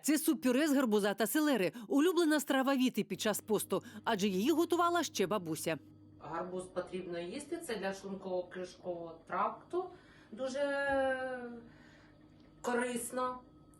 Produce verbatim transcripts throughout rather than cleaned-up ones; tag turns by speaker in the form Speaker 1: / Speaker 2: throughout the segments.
Speaker 1: Це суп-пюре з гарбуза та селери. Улюблена страва Віти під час посту, адже її готувала ще бабуся.
Speaker 2: Гарбуз потрібно їсти, це для шлунково-кишкового тракту дуже корисно.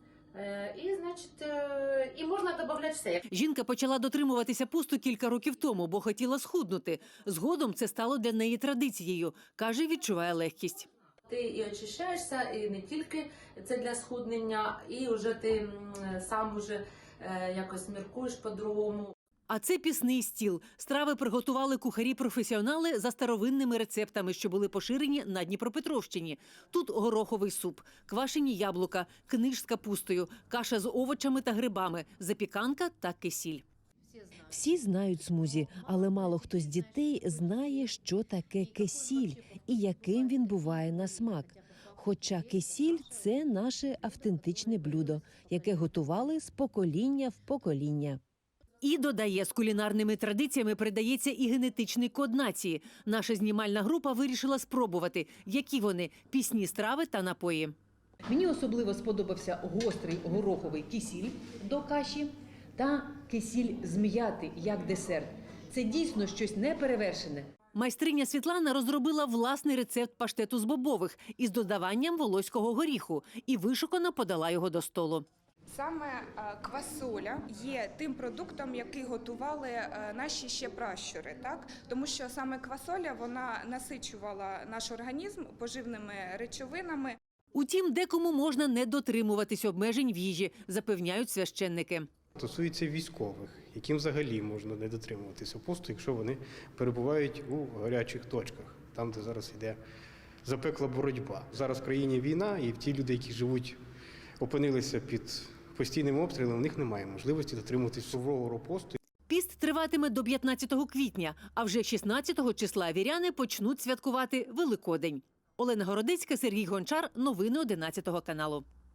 Speaker 2: І, значить, і можна додати все.
Speaker 1: Жінка почала дотримуватися посту кілька років тому, бо хотіла схуднути. Згодом це стало для неї традицією. Каже, відчуває легкість.
Speaker 2: Ти і очищаєшся, і не тільки це для схуднення, і вже ти сам уже якось міркуєш по-другому.
Speaker 1: А це пісний стіл. Страви приготували кухарі-професіонали за старовинними рецептами, що були поширені на Дніпропетровщині. Тут гороховий суп, квашені яблука, книж з капустою, каша з овочами та грибами, запіканка та кисіль.
Speaker 3: Всі знають смузі, але мало хто з дітей знає, що таке кисіль і яким він буває на смак. Хоча кисіль – це наше автентичне блюдо, яке готували з покоління в покоління.
Speaker 1: І додає, з кулінарними традиціями передається і генетичний код нації. Наша знімальна група вирішила спробувати, які вони – пісні страви та напої.
Speaker 4: Мені особливо сподобався гострий гороховий кисіль до каші та кисіль з м'яти як десерт. Це дійсно щось неперевершене.
Speaker 1: Майстриня Світлана розробила власний рецепт паштету з бобових із додаванням волоського горіху і вишукано подала його до столу.
Speaker 5: Саме квасоля є тим продуктом, який готували наші ще пращури, так? Тому що саме квасоля, вона насичувала наш організм поживними речовинами.
Speaker 1: Утім, декому можна не дотримуватись обмежень в їжі, запевняють священники.
Speaker 6: Стосується військових, яким взагалі можна не дотримуватися посту, якщо вони перебувають у гарячих точках, там, де зараз йде запекла боротьба. Зараз в країні війна, і ті люди, які живуть, опинилися під постійним обстрілом, у них немає можливості дотримуватись суворого посту.
Speaker 1: Піст триватиме до п'ятнадцятого квітня, а вже шістнадцятого числа віряни почнуть святкувати Великодень. Олена Городецька, Сергій Гончар. Новини одинадцятого каналу.